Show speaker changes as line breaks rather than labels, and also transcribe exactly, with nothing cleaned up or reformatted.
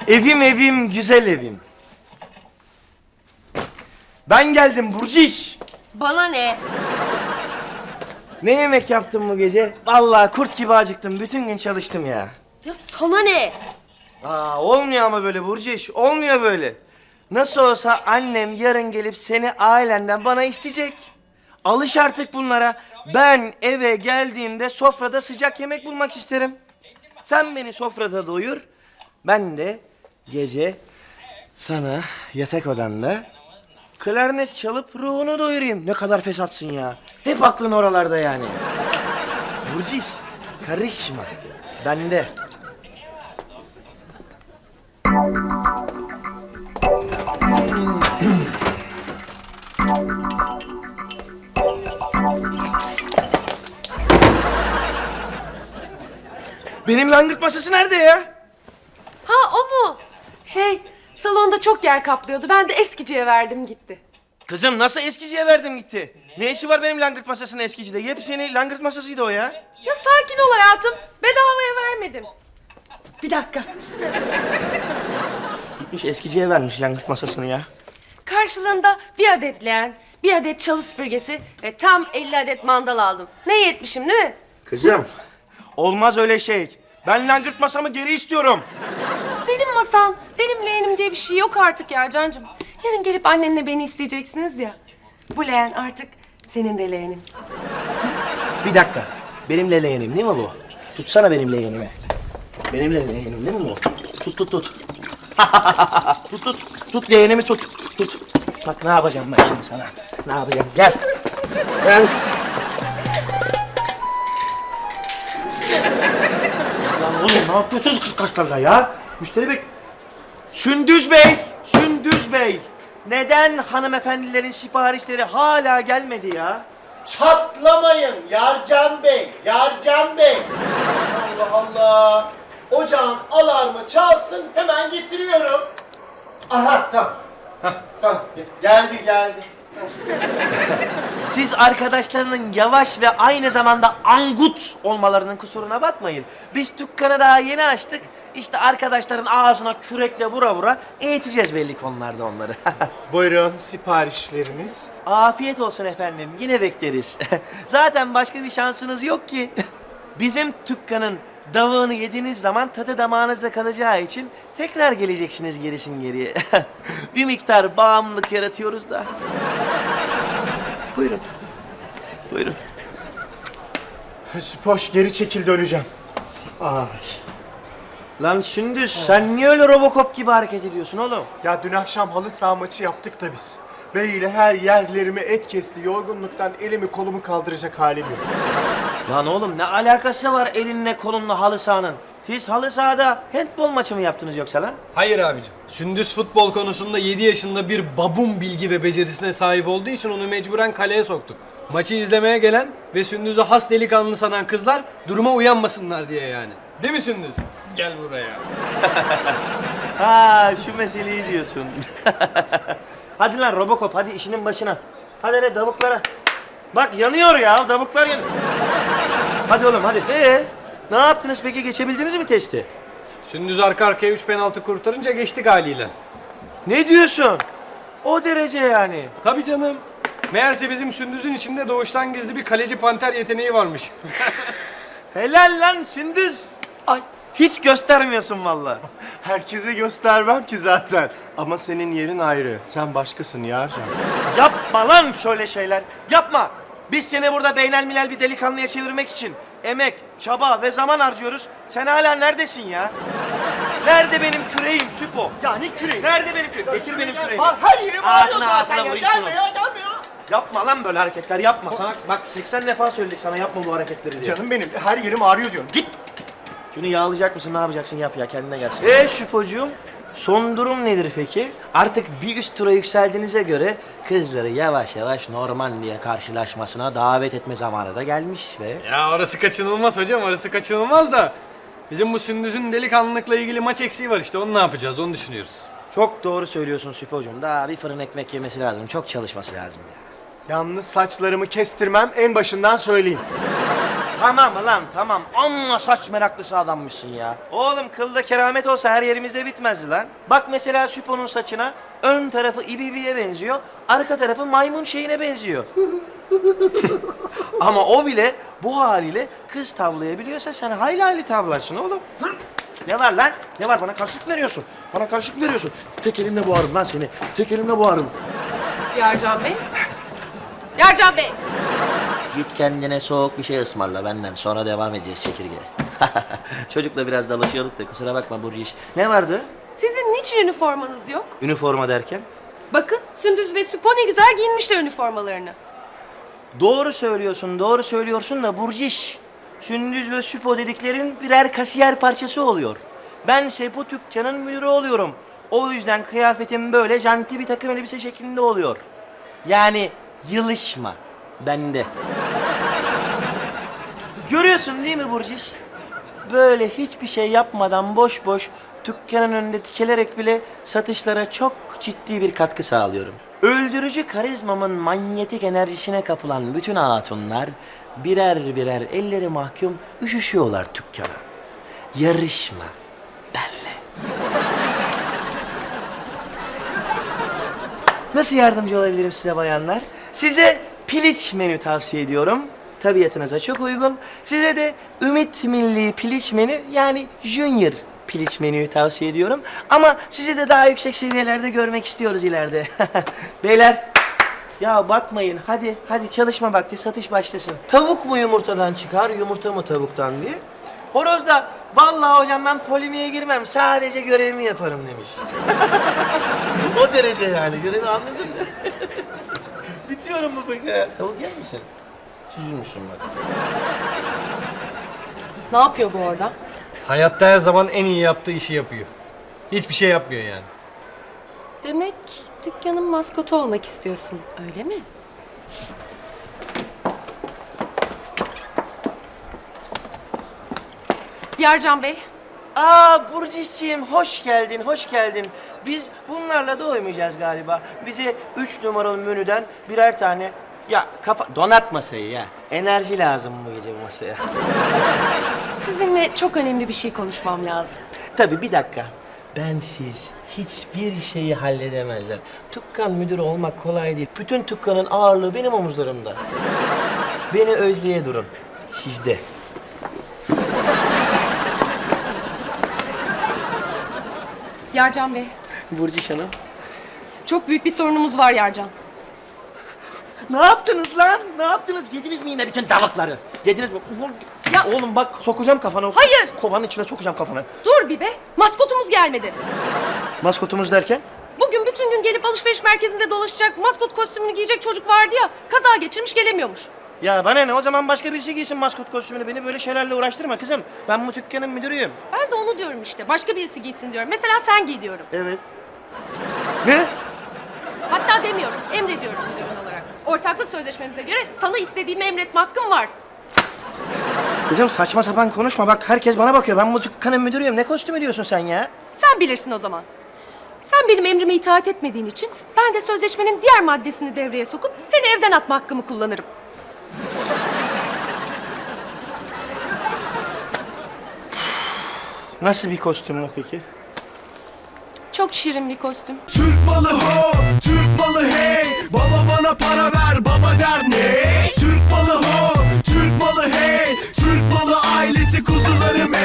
Evim evim, güzel evim. Ben geldim Burciş.
Bana ne?
Ne yemek yaptın bu gece? Vallahi kurt gibi acıktım. Bütün gün çalıştım ya.
Ya sana ne?
Aa, olmuyor ama böyle Burciş. Olmuyor böyle. Nasıl olsa annem yarın gelip seni ailenden bana isteyecek. Alış artık bunlara. Ben eve geldiğimde sofrada sıcak yemek bulmak isterim. Sen beni sofrada doyur. Ben de gece sana yatak odanda klarnet çalıp ruhunu doyurayım. Ne kadar fesatsın ya. Hep aklın oralarda yani. Burciş, karışma. Bende. Benim langırt masası nerede ya?
Ha o mu? Şey, salonda çok yer kaplıyordu. Ben de eskiciye verdim gitti.
Kızım nasıl eskiciye verdim gitti? Ne işi var benim langırt masasının eskicide? Yepyeni langırt masasıydı o ya.
Ya sakin ol hayatım. Bedavaya vermedim. Bir dakika.
Gitmiş eskiciye vermiş langırt masasını ya.
Karşılığında bir adet leğen, bir adet çalı süpürgesi ve tam elli adet mandal aldım. Ne iyi etmişim değil mi?
Kızım olmaz öyle şey. Ben langırt masamı geri istiyorum.
Senin masan, benim leğenim diye bir şey yok artık ya Cancığım. Yarın gelip annenle beni isteyeceksiniz ya. Bu leğen artık senin de leğenin.
Bir dakika. Benim leğenim değil mi bu? Tutsana benim leğenimi. Benim leğenim değil mi bu? Tut tut tut. tut tut. Tut leğenimi tut. Tut. Bak ne yapacağım ben şimdi sana. Ne yapacağım? Gel. Gel. Lan oğlum ne yapıyorsunuz kıskaçlarla ya? Müşteri bek... Sündüz Bey! Sündüz Bey! Neden hanımefendilerin siparişleri hala gelmedi ya?
Çatlamayın Yarcan Bey, Yarcan Bey. Allah Allah. Ocağın alarmı çalsın, hemen getiriyorum. Aha, tamam. Tamam, geldi geldi.
Siz arkadaşlarının yavaş ve aynı zamanda angut olmalarının kusuruna bakmayın. Biz dükkanı daha yeni açtık. İşte arkadaşların ağzına kürekle vura vura eğiteceğiz belli konularda onları.
Buyurun siparişleriniz.
Afiyet olsun efendim. Yine bekleriz. Zaten başka bir şansınız yok ki. Bizim dükkanın davağını yediğiniz zaman tadı damağınızda kalacağı için tekrar geleceksiniz gerisin geriye. Bir miktar bağımlılık yaratıyoruz da. Buyurun. Buyurun.
Spoş geri çekil döneceğim. Ay.
Lan Sündüz sen niye öyle Robocop gibi hareket ediyorsun oğlum?
Ya dün akşam halı saha maçı yaptık da biz. Bey ile her yerlerimi et kesti. Yorgunluktan elimi kolumu kaldıracak halim yok.
Lan oğlum ne alakası var elinle kolunla halı sahanın? Siz halı sahada handbol maçı mı yaptınız yoksa lan?
Hayır abicim. Sündüz futbol konusunda yedi yaşında bir babun bilgi ve becerisine sahip olduğu için onu mecburen kaleye soktuk. Maçı izlemeye gelen ve Sündüz'ü has delikanlı sanan kızlar duruma uyanmasınlar diye yani. Değil mi Sündüz? Gel buraya.
Ha şu meseleyi diyorsun. Hadi lan Robocop hadi işinin başına. Hadi hadi davuklara. Bak yanıyor ya davuklar yanıyor. Hadi oğlum hadi. Ee, ne yaptınız peki geçebildiniz mi testi?
Sündüz arka arkaya üç penaltı kurtarınca geçtik haliyle.
Ne diyorsun? O derece yani.
Tabii canım. Meğerse bizim Sündüz'ün içinde doğuştan gizli bir kaleci panter yeteneği varmış.
Helal lan Sündüz. Ay hiç göstermiyorsun vallahi.
Herkese göstermem ki zaten. Ama senin yerin ayrı. Sen başkasın Yarcan.
Yapma lan şöyle şeyler. Yapma. Biz seni burada beynelmilel bir delikanlıya çevirmek için emek, çaba ve zaman harcıyoruz. Sen hala neredesin ya? Nerede benim küreğim Süpo?
Ya ne küreği?
Nerede benim küreğim? Getir benim küreğimi.
Aa, her yerim ağrıyor
Ağzına
zaten
ağzına
ya.
vurayım
Gelme
şunu.
ya, gelme ya.
Yapma lan böyle hareketler yapma. Sana bak seksen defa söyledik sana yapma bu hareketleri diye.
Canım benim, her yerim ağrıyor diyorum. Git.
Şunu yağlayacak mısın ne yapacaksın yap ya kendine gelsin. Ee Süpocuğum son durum nedir peki? Artık bir üst tura yükseldiğinize göre kızları yavaş yavaş Normandiya karşılaşmasına davet etme zamanı da gelmiş ve...
Ya orası kaçınılmaz hocam, orası kaçınılmaz da. Bizim bu Sündüz'ün delikanlılıkla ilgili maç eksiği var işte, onu ne yapacağız, onu düşünüyoruz.
Çok doğru söylüyorsun Süpocuğum. Daha bir fırın ekmek yemesi lazım. Çok çalışması lazım ya.
Yalnız saçlarımı kestirmem en başından söyleyeyim.
Tamam lan tamam. Amma saç meraklısı adammışsın ya. Oğlum kılda keramet olsa her yerimizde bitmezdi lan. Bak mesela Süpo'nun saçına ön tarafı ibibiye benziyor, arka tarafı maymun şeyine benziyor. Ama o bile bu haliyle kız tavlayabiliyorsa sen hayli hayli tavlarsın oğlum. Ne var lan? Ne var? Bana karşılık veriyorsun. Bana karşılık veriyorsun. Tek elimle boğarım lan seni. Tek elimle boğarım.
Yarcan Bey. Yarcan Bey.
Git kendine soğuk bir şey ısmarla benden. Sonra devam edeceğiz çekirge. Çocukla biraz dalaşıyorduk da kusura bakma Burcu iş. Ne vardı?
Sizin niçin üniformanız yok?
Üniforma derken?
Bakın Sündüz ve Süpo ne güzel giyinmişler üniformalarını.
Doğru söylüyorsun, doğru söylüyorsun da Burcu iş. Sündüz ve Süpo dediklerin birer kasiyer parçası oluyor. Ben Sepo dükkanın müdürü oluyorum. O yüzden kıyafetim böyle janti bir takım elbise şeklinde oluyor. Yani yılışma bende. Görüyorsun değil mi Burciş? Böyle hiçbir şey yapmadan boş boş dükkanın önünde dikelerek bile satışlara çok ciddi bir katkı sağlıyorum. Öldürücü karizmamın manyetik enerjisine kapılan bütün hatunlar birer birer elleri mahkum üşüşüyorlar dükkana. Yarışma benle. Nasıl yardımcı olabilirim size bayanlar? Size piliç menü tavsiye ediyorum. Tabiatınıza çok uygun. Size de Ümit Milli Piliç menü yani Junior Piliç menüyü tavsiye ediyorum. Ama sizi de daha yüksek seviyelerde görmek istiyoruz ileride. Beyler, ya bakmayın hadi hadi çalışma vakti satış başlasın. Tavuk mu yumurtadan çıkar, yumurta mı tavuktan diye. Horoz da vallahi hocam ben polemiğe girmem sadece görevimi yaparım demiş. O derece yani görevi anladın mı? Bitiyorum bu fıkra. Tavuk yer misin? Süzülmüşsün bak.
Ne yapıyor bu orada?
Hayatta her zaman en iyi yaptığı işi yapıyor. Hiçbir şey yapmıyor yani.
Demek dükkanın maskotu olmak istiyorsun, öyle mi? Yarcan Bey.
Aa Burcu'ciğim hoş geldin, hoş geldin. Biz bunlarla doymayacağız galiba. Bize üç numaralı menüden birer tane... Ya kafa... Donat masayı ya. Enerji lazım bu gece bu masaya.
Sizinle çok önemli bir şey konuşmam lazım.
Tabii bir dakika. Bensiz hiçbir şeyi halledemezler. Dükkan müdürü olmak kolay değil. Bütün dükkanın ağırlığı benim omuzlarımda. Beni özleye durun. Sizde.
Yarcan Bey,
Burcu Hanım.
çok büyük bir sorunumuz var Yarcan.
Ne yaptınız lan? Ne yaptınız? Yediniz mi yine bütün tavukları? Yediniz mi?
Ya-
Oğlum bak sokacağım kafana. o-
Hayır!
Kovanın içine sokacağım kafana.
Dur bir be, maskotumuz gelmedi.
Maskotumuz derken?
Bugün bütün gün gelip alışveriş merkezinde dolaşacak, maskot kostümünü giyecek çocuk vardı ya, kaza geçirmiş gelemiyormuş.
Ya bana ne? O zaman başka birisi giysin maskot kostümünü. Beni böyle şeylerle uğraştırma kızım. Ben bu dükkanın müdürüyüm.
Ben de onu diyorum işte, başka birisi giysin diyorum. Mesela sen giy diyorum.
Evet. Ne?
Hatta demiyorum, emrediyorum müdürün olarak. Ortaklık sözleşmemize göre sana istediğimi emretme hakkım var.
Kızım saçma sapan konuşma. Bak herkes bana bakıyor. Ben bu dükkanın müdürüyüm. Ne kostümü diyorsun sen ya?
Sen bilirsin o zaman. Sen benim emrime itaat etmediğin için ben de sözleşmenin diğer maddesini devreye sokup seni evden atma hakkımı kullanırım.
Nasıl bir kostüm o peki?
Çok şirin bir kostüm.
Türk malı ho, Türk malı hey. Baba bana para ver, baba der ne? Türk malı ho, Türk malı hey.